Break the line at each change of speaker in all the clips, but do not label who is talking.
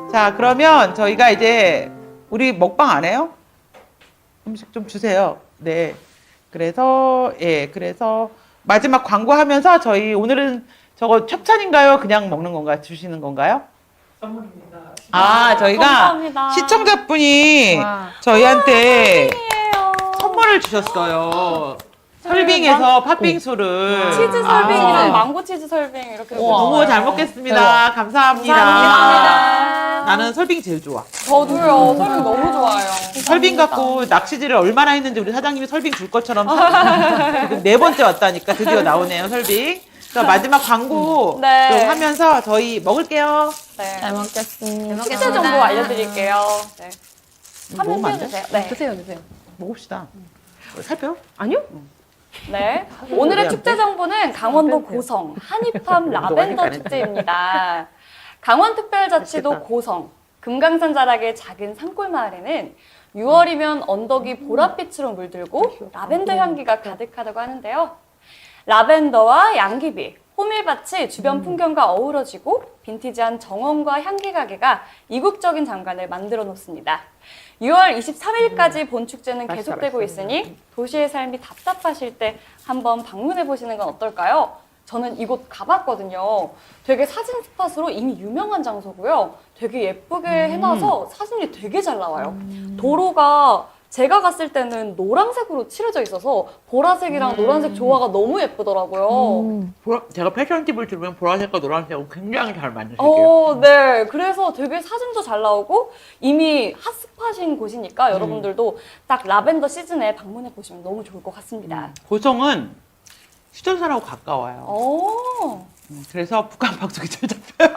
자, 그러면 저희가 이제 우리 먹방 안 해요? 음식 좀 주세요. 네. 그래서 그래서 마지막 광고하면서 저희 오늘은 저거 협찬인가요? 그냥 먹는 건가요? 주시는 건가요?
선물입니다.
저희가
감사합니다.
시청자분이
와.
저희한테
팬이에요.
선물을 주셨어요. 설빙에서 팥빙수를.
치즈
아,
설빙이랑 망고 치즈 설빙 이렇게
너무 잘 먹겠습니다. 감사합니다.
감사합니다.
나는 설빙이 제일 좋아.
저도요. 설빙 너무 좋아요.
설빙 갖고 낚시질을 얼마나 했는지 우리 사장님이 설빙 줄 것처럼 지금 4번째 왔다니까 드디어 나오네요, 설빙. 자, 마지막 광고
네.
좀 하면서 저희 먹을게요.
네.
잘 먹겠습니다.
식재 정보 알려드릴게요. 네. 화면
먹으면 안 돼?
띄워주세요. 네.
드세요, 드세요.
먹읍시다. 살펴요?
아니요?
네. 오늘의 축제 정보는 강원도 고성 한입팜 라벤더 축제입니다. 강원특별자치도
맛있겠다.
고성 금강산 자락의 작은 산골 마을에는 6월이면 언덕이 보랏빛으로 물들고 라벤더 향기가 가득하다고 하는데요. 라벤더와 양귀비, 호밀밭이 주변 풍경과 어우러지고 빈티지한 정원과 향기 가게가 이국적인 장관을 만들어 놓습니다. 6월 23일까지 본 축제는 계속되고 있으니 도시의 삶이 답답하실 때 한번 방문해 보시는 건 어떨까요? 저는 이곳 가봤거든요. 되게 사진 스팟으로 이미 유명한 장소고요. 되게 예쁘게 해놔서 사진이 되게 잘 나와요. 도로가 제가 갔을 때는 노란색으로 칠해져 있어서 보라색이랑 노란색 조화가 너무 예쁘더라고요.
제가 패션 팁을 들으면 보라색과 노란색은 굉장히 잘 맞으실게요.
네. 그래서 되게 사진도 잘 나오고 이미 핫스팟인 곳이니까 여러분들도 딱 라벤더 시즌에 방문해 보시면 너무 좋을 것 같습니다.
고성은 휴전선하고 가까워요.
오,
그래서 북한 방송이 잘 잡혀요.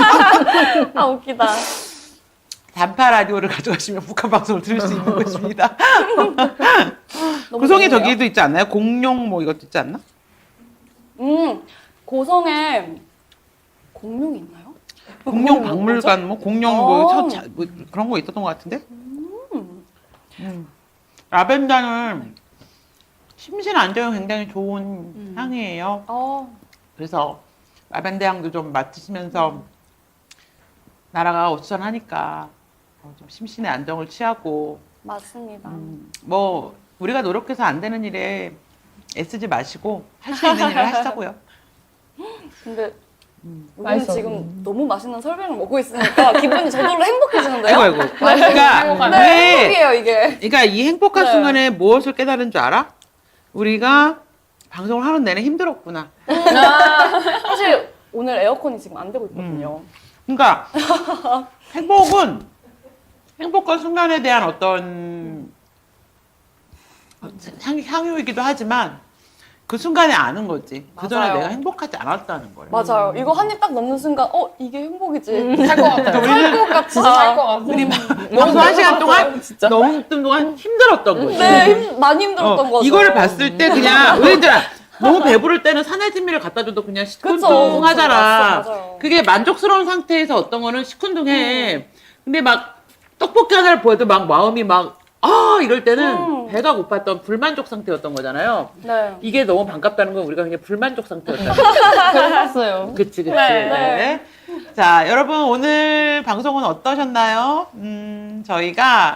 아 웃기다.
단파 라디오를 가져가시면 북한 방송을 들을 수 있는 곳입니다.
너무
고성에
좋네요.
저기도 있지 않나요? 공룡 뭐 이것도 있지 않나?
고성에 공룡이 있나요?
공룡 박물관 뭐 공룡 뭐 그런 거 있었던 것 같은데? 라벤더는 심신 안정에 굉장히 좋은 향이에요. 그래서 라벤더 향도 좀 맡으시면서 나라가 어수선하니까 좀 심신의 안정을 취하고
맞습니다.
뭐 우리가 노력해서 안 되는 일에 애쓰지 마시고 할 수 있는 일을 하시자고요.
근데 우리는
맛있어.
지금 너무 맛있는 설빙을 먹고 있으니까 기분이 저절로 행복해지는데요?
아이고. 그러니까
네, 행복이에요 이게.
그러니까 이 행복한
네.
순간에 무엇을 깨달은 줄 알아? 우리가 방송을 하는 내내 힘들었구나.
사실 오늘 에어컨이 지금 안 되고 있거든요.
그러니까 행복한 순간에 대한 어떤 향유이기도 하지만 그 순간에 아는 거지. 그 전에
맞아요.
내가 행복하지 않았다는 거예요.
맞아요. 이거 한 입 딱 넣는 순간 이게 행복이지.
살 것 같아요.
살 것 같다.
진짜 살 것 같아요.
우리 방송 한 시간 동안 너무 동안 힘들었던 거지.
네, 많이 힘들었던 거죠.
이거를 봤을 때 그냥 왜냐면 너무 배부를 때는 산해진미를 갖다 줘도 그냥 시큰둥하잖아.
그쵸, 맞아요.
그게 만족스러운 상태에서 어떤 거는 시큰둥해. 근데 막 떡볶이 하나를 보여도 막 마음이 막 이럴 때는 배가 고팠던 불만족 상태였던 거잖아요.
네.
이게 너무 반갑다는 건 우리가 그냥 불만족 상태였다.
그랬어요.
그치.
네.
자, 여러분 오늘 방송은 어떠셨나요? 저희가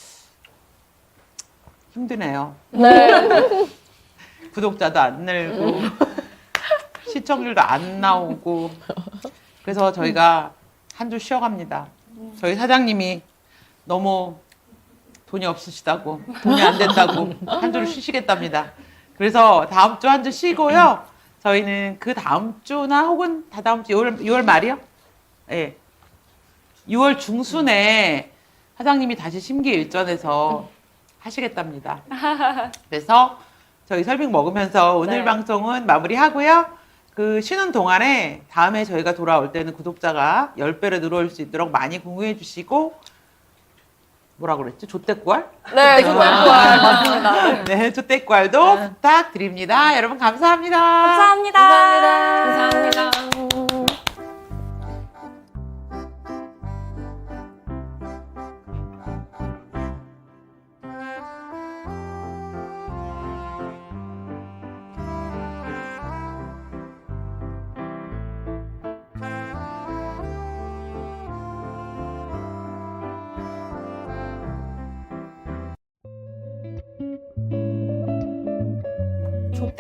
힘드네요.
네.
구독자도 안 늘고 시청률도 안 나오고 그래서 저희가 한 주 쉬어갑니다. 저희 사장님이 너무 돈이 없으시다고 돈이 안 된다고 한 주를 쉬시겠답니다. 그래서 다음 주 한 주 쉬고요. 저희는 그 다음 주나 혹은 다다음 주 6월 말이요? 예. 6월 중순에 사장님이 다시 심기일전해서 하시겠답니다. 그래서 저희 설빙 먹으면서 오늘
네.
방송은 마무리하고요. 그 쉬는 동안에 다음에 저희가 돌아올 때는 구독자가 10배로 늘어올 수 있도록 많이 공유해 주시고 뭐라 그랬지? 조떼꾸알?
네, 정말 좋아요. 맞습니다.
네, 조떼꾸알도 부탁드립니다. 여러분 감사합니다.
감사합니다.
감사합니다.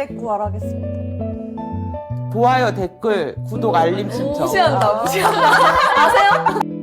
구하겠습니다.
좋아요, 댓글, 구독, 알림 신청.
무시한다. 아세요?